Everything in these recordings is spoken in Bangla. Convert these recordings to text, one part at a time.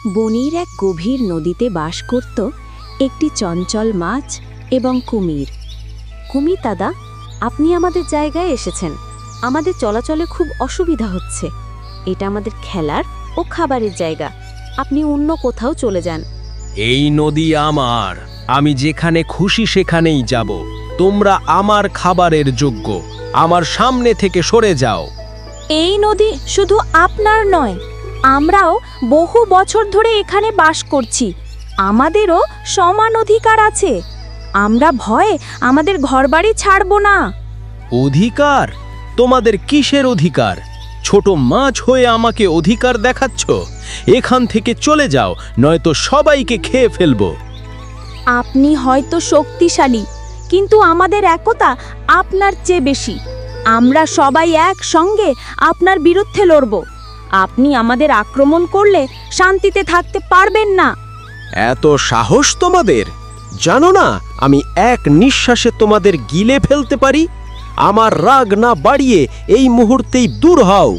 বনের এক গভীর নদীতে বাস করত একটি চঞ্চল মাছ এবং কুমির। কুমির দাদা, আপনি আমাদের জায়গায় এসেছেন। আমাদের চলাচলে খুব অসুবিধা হচ্ছে। এটা আমাদের খেলার ও খাবারের জায়গা। আপনি অন্য কোথাও চলে যান। এই নদী আমার, আমি যেখানে খুশি সেখানেই যাব। তোমরা আমার খাবারের যোগ্য। আমার সামনে থেকে সরে যাও। এই নদী শুধু আপনার নয়, আমরাও বহু বছর ধরে এখানে বাস করছি। আমাদেরও সমান অধিকার আছে। আমরা ভয়ে আমাদের ঘরবাড়ি ছাড়ব না। অধিকার? তোমাদের কিসের অধিকার? ছোট মাছ হয়ে আমাকে অধিকার দেখাচ্ছ? এখান থেকে চলে যাও, নয়তো সবাইকে খেয়ে ফেলবো। আপনি হয়তো শক্তিশালী, কিন্তু আমাদের একতা আপনার চেয়ে বেশি। আমরা সবাই একসঙ্গে আপনার বিরুদ্ধে লড়ব। আপনি আমাদের আক্রমণ করলে শান্তিতে থাকতে পারবেন না। এত সাহস তোমাদের? জানো না আমি এক নিঃশ্বাসে তোমাদের গিলে ফেলতে পারি? আমার রাগ না বাড়িয়ে এই মুহূর্তেই দূর হও।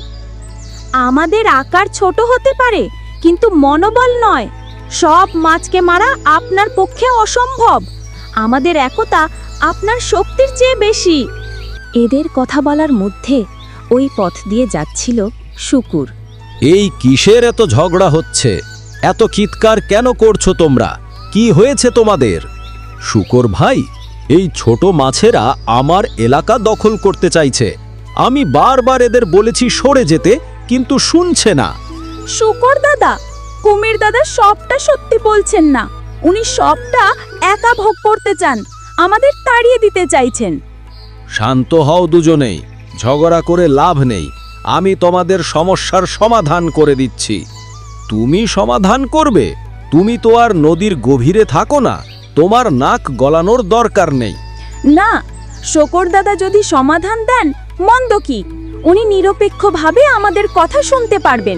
আমাদের আকার ছোট হতে পারে, কিন্তু মনোবল নয়। সব মাছকে মারা আপনার পক্ষে অসম্ভব। আমাদের একতা আপনার শক্তির চেয়ে বেশি। এদের কথা বলার মধ্যে ওই পথ দিয়ে যাচ্ছিল শুকুর। এই কিসের এত ঝগড়া হচ্ছে? এত চিৎকার কেন করছো তোমরা? কি হয়েছে তোমাদের? শুকর ভাই, এই ছোট মাছেরা আমার এলাকা দখল করতে চাইছে। আমি বারবার এদের বলেছি সরে যেতে, কিন্তু শুনছে না। শুকর দাদা, কুমির দাদা সবটা সত্যি বলছেন না। উনি সবটা একা ভোগ করতে চান, আমাদের তাড়িয়ে দিতে চাইছেন। শান্ত হও দুজনেই, ঝগড়া করে লাভ নেই। আমি তোমাদের সমস্যার সমাধান করে দিচ্ছি। তুমি সমাধান করবে? তুমি তো আর নদীর গভীরে থাকো না, তোমার নাক গলানোর দরকার নেই। না, শকর দাদা যদি সমাধান দেন মন্দ কি? উনি নিরপেক্ষভাবে আমাদের কথা শুনতে পারবেন।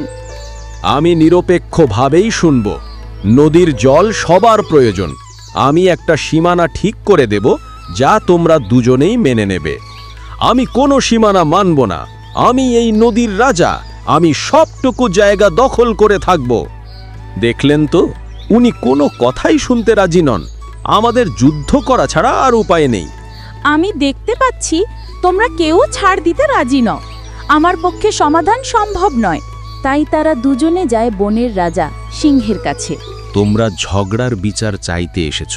আমি নিরপেক্ষভাবেই শুনব। নদীর জল সবার প্রয়োজন। আমি একটা সীমানা ঠিক করে দেব, যা তোমরা দুজনেই মেনে নেবে। আমি কোনো সীমানা মানব না। আমি এই নদীর রাজা। আমি সবটুকু জায়গা দখল করে থাকব। দেখলেন তো, উনি কোনো কথাই শুনতে রাজি নন। আমাদের যুদ্ধ করা ছাড়া আর উপায় নেই। আমি দেখতে পাচ্ছি তোমরা কেউ ছাড় দিতে রাজি নও। আমার পক্ষে সমাধান সম্ভব নয়। তাই তারা দুজনে যায় বনের রাজা সিংহের কাছে। তোমরা ঝগড়ার বিচার চাইতে এসেছ।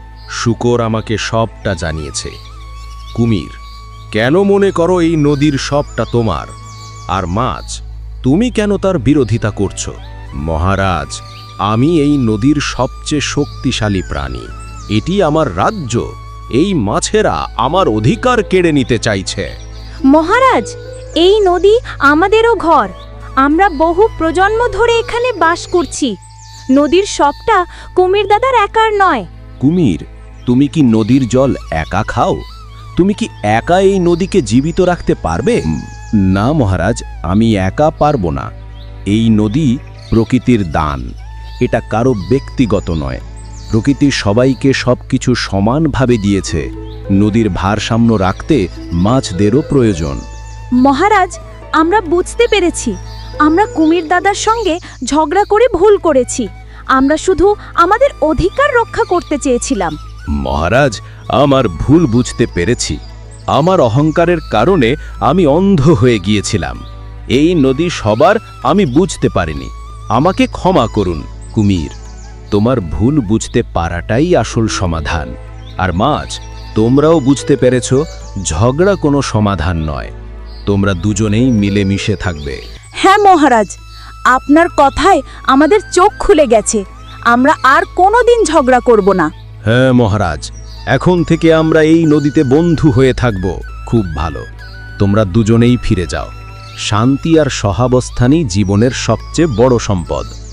শুকর আমাকে সবটা জানিয়েছে। কুমির, কেন মনে করো এই নদীর সবটা তোমার? আর মাছ, তুমি কেন তার বিরোধিতা করছো? মহারাজ, আমি এই নদীর সবচেয়ে শক্তিশালী প্রাণী। এটি আমার রাজ্য। এই মাছেরা আমার অধিকার কেড়ে নিতে চাইছে। মহারাজ, এই নদী আমাদেরও ঘর। আমরা বহু প্রজন্ম ধরে এখানে বাস করছি। নদীর সবটা কুমির দাদার একার নয়। কুমির, তুমি কি নদীর জল একা খাও? তুমি কি একা এই নদীকে জীবিত রাখতে পারবে? না মহারাজ, আমি একা পারবো না। এই নদী প্রকৃতির দান। এটা কারো ব্যক্তিগত নয়। প্রকৃতি সবাইকে সবকিছু সমানভাবে দিয়েছে। নদীর ভারসাম্য রাখতে মাছদেরও প্রয়োজন। মহারাজ, আমরা বুঝতে পেরেছি। আমরা কুমির দাদার সঙ্গে ঝগড়া করে ভুল করেছি। আমরা শুধু আমাদের অধিকার রক্ষা করতে চেয়েছিলাম। মহারাজ, আমার ভুল বুঝতে পেরেছি। আমার অহংকারের কারণে আমি অন্ধ হয়ে গিয়েছিলাম। এই নদী সবার, আমি বুঝতে পারিনি। আমাকে ক্ষমা করুন। কুমির, তোমার ভুল বুঝতে পারাটাই আসল সমাধান। আর মাছ, তোমরাও বুঝতে পেরেছ ঝগড়া কোনো সমাধান নয়। তোমরা দুজনেই মিলেমিশে থাকবে। হ্যাঁ মহারাজ, আপনার কথায় আমাদের চোখ খুলে গেছে। আমরা আর কোনোদিন ঝগড়া করব না। হ্যাঁ মহারাজ, এখন থেকে আমরা এই নদীতে বন্ধু হয়ে থাকব। খুব ভালো। তোমরা দুজনেই ফিরে যাও। শান্তি আর সহাবস্থানই জীবনের সবচেয়ে বড় সম্পদ।